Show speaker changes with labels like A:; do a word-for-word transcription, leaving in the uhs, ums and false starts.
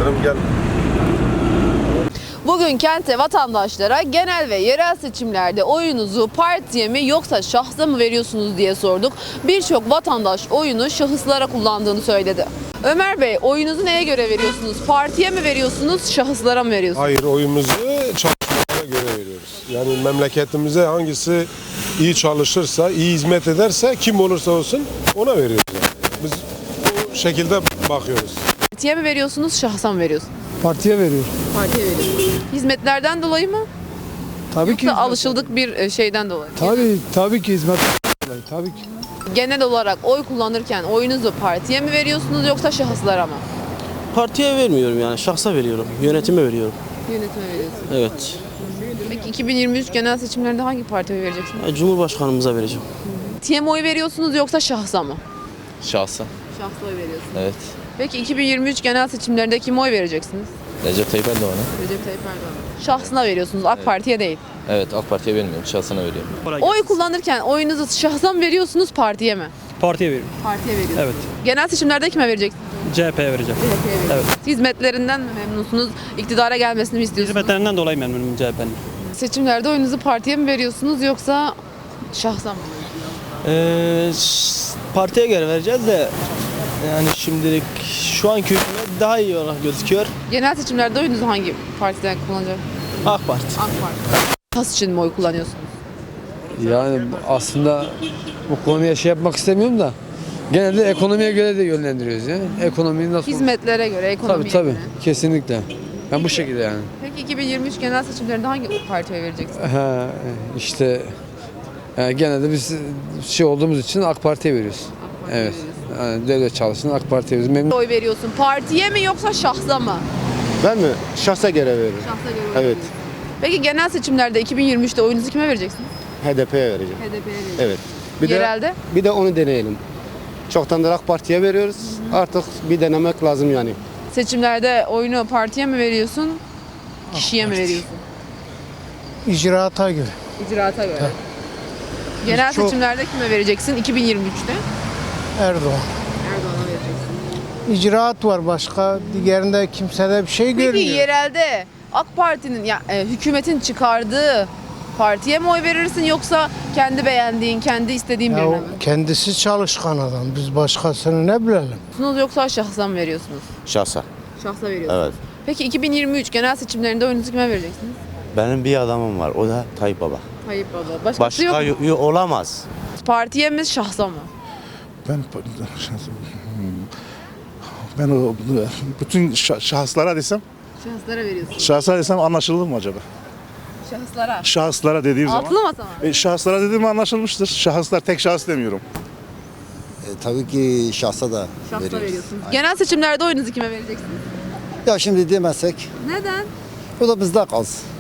A: ederim. Gel.
B: Bugün kentte vatandaşlara genel ve yerel seçimlerde oyunuzu partiye mi yoksa şahsa mı veriyorsunuz diye sorduk. Birçok vatandaş oyunu şahıslara kullandığını söyledi. Ömer Bey, oyunuzu neye göre veriyorsunuz? Partiye mi veriyorsunuz, şahıslara mı veriyorsunuz?
A: Hayır, oyumuzu çalışmalara göre veriyoruz. Yani memleketimize hangisi iyi çalışırsa, iyi hizmet ederse, kim olursa olsun ona veriyoruz. Yani. Biz bu şekilde bakıyoruz.
B: Partiye mi veriyorsunuz, şahsa mı veriyorsunuz?
C: Partiye veriyor.
B: Partiye veriyorsunuz. Hizmetlerden dolayı mı?
C: Tabii
B: Yoksa
C: ki.
B: alışıldık bir şeyden dolayı mı?
C: Tabii tabii ki hizmet. Tabii ki.
B: Genel olarak oy kullanırken oyunuzu partiye mi veriyorsunuz yoksa şahıslara mı?
D: Partiye vermiyorum yani şahsa veriyorum. Yönetime veriyorum.
B: Yönetime veriyorsunuz.
D: Evet.
B: Peki iki bin yirmi üç genel seçimlerinde hangi partiye vereceksiniz?
D: Yani Cumhurbaşkanımıza vereceğim.
B: Partiye mi oy veriyorsunuz yoksa şahsa mı?
E: Şahsa.
B: Şahsa oy veriyorsunuz.
E: Evet.
B: Peki iki bin yirmi üç genel seçimlerinde kime oy vereceksiniz?
E: Recep Tayyip Erdoğan'a.
B: Recep Tayyip Erdoğan. Şahsına veriyorsunuz, AK Parti'ye değil.
E: Evet, AK Parti'ye vermiyorum. Şahsına veriyorum.
B: Oy kullanırken oyunuzu şahsa mı veriyorsunuz, partiye mi?
F: Partiye veriyorum.
B: Partiye veriyorsunuz.
F: Evet.
B: Genel seçimlerde kime vereceksiniz?
F: C H P'ye vereceğim.
B: C H P'ye veriyorsunuz.
F: Evet.
B: Hizmetlerinden mi memnunsunuz? İktidara gelmesini mi istiyorsunuz?
F: Hizmetlerinden dolayı memnunum C H P'nin.
B: Seçimlerde oyunuzu partiye mi veriyorsunuz yoksa şahsa mı?
D: Ee, ş- partiye göre vereceğiz de yani şimdilik şu anki hükümet daha iyi olarak gözüküyor.
B: Genel seçimlerde oyunuzu hangi partiden kullanacak?
D: AK Parti.
B: AK Parti. Şahıs için mi oy kullanıyorsunuz?
C: Yani aslında bu konuya şey yapmak istemiyorum da genelde ekonomiye göre de yönlendiriyoruz ya. Ekonomiyi nasıl?
B: Hizmetlere göre, ekonomiye
C: Tabii tabii.
B: göre.
C: Kesinlikle. Ben bu şekilde yani.
B: Peki iki bin yirmi üç genel seçimlerinde hangi partiye vereceksiniz?
C: Ha, işte yani genelde biz şey olduğumuz için AK Parti'ye veriyoruz.
B: Parti'ye
C: Evet.
B: veriyorsunuz.
C: Yani devlet çalışsın AK Parti'ye veriyoruz. Memnun.
B: Oy veriyorsun. Partiye mi yoksa şahsa mı?
G: Ben mi? Şahsa göre veririm.
B: Şahsa göre oy
G: Evet.
B: veriyorsun. Peki genel seçimlerde iki bin yirmi üçte oyunuzu kime vereceksiniz?
G: H D P'ye vereceğim.
B: H D P'ye vereceksiniz.
G: Evet. Bir
B: Yerelde?
G: de bir de onu deneyelim. Çoktandır AK Parti'ye veriyoruz. Artık bir denemek lazım yani.
B: Seçimlerde oyunu partiye mi veriyorsun? Kişiye mi veriyorsun?
H: İcraata göre.
B: İcraata göre. Genel
H: Çok-
B: seçimlerde kime vereceksin iki bin yirmi üçte?
H: Erdoğan.
B: Erdoğan'a vereceksin.
H: İcraat var başka. Diğerinde kimsede bir şey
B: Peki
H: görmüyor.
B: yerelde AK Parti'nin ya e, hükümetin çıkardığı partiye mi oy verirsin yoksa kendi beğendiğin, kendi istediğin
H: Ya
B: birine
H: o
B: mi?
H: kendisi çalışkan adam. Biz başkasını ne bilelim?
B: Veriyorsunuz yoksa şahsa mı veriyorsunuz?
I: Şahsa.
B: Şahsa veriyorsunuz.
I: Evet.
B: Peki iki bin yirmi üç genel seçimlerinde oyunuzu kime vereceksiniz?
I: Benim bir adamım var. O da Tayyip Baba.
B: Tayyip Baba. Başkası
I: Başka
B: yok mu?
I: yo- yo- olamaz.
B: Partiye mi şahsa mı?
J: Ben ben o bütün şa- şahıslara desem,
B: Şahıslara veriyorsunuz.
J: şahıslara desem anlaşılır mı acaba?
B: Şahıslara.
J: Şahıslara dediğim
B: Altılı
J: zaman.
B: masa mı?
J: E, şahıslara dediğim anlaşılmıştır. Şahıslar tek şahıs demiyorum.
K: E, tabii ki şahsa da
B: Şahsa
K: veriyoruz.
B: veriyorsunuz. Genel seçimlerde oyunuzu kime vereceksiniz?
K: Ya şimdi demezsek
B: Neden?
K: o da bizde kalsın.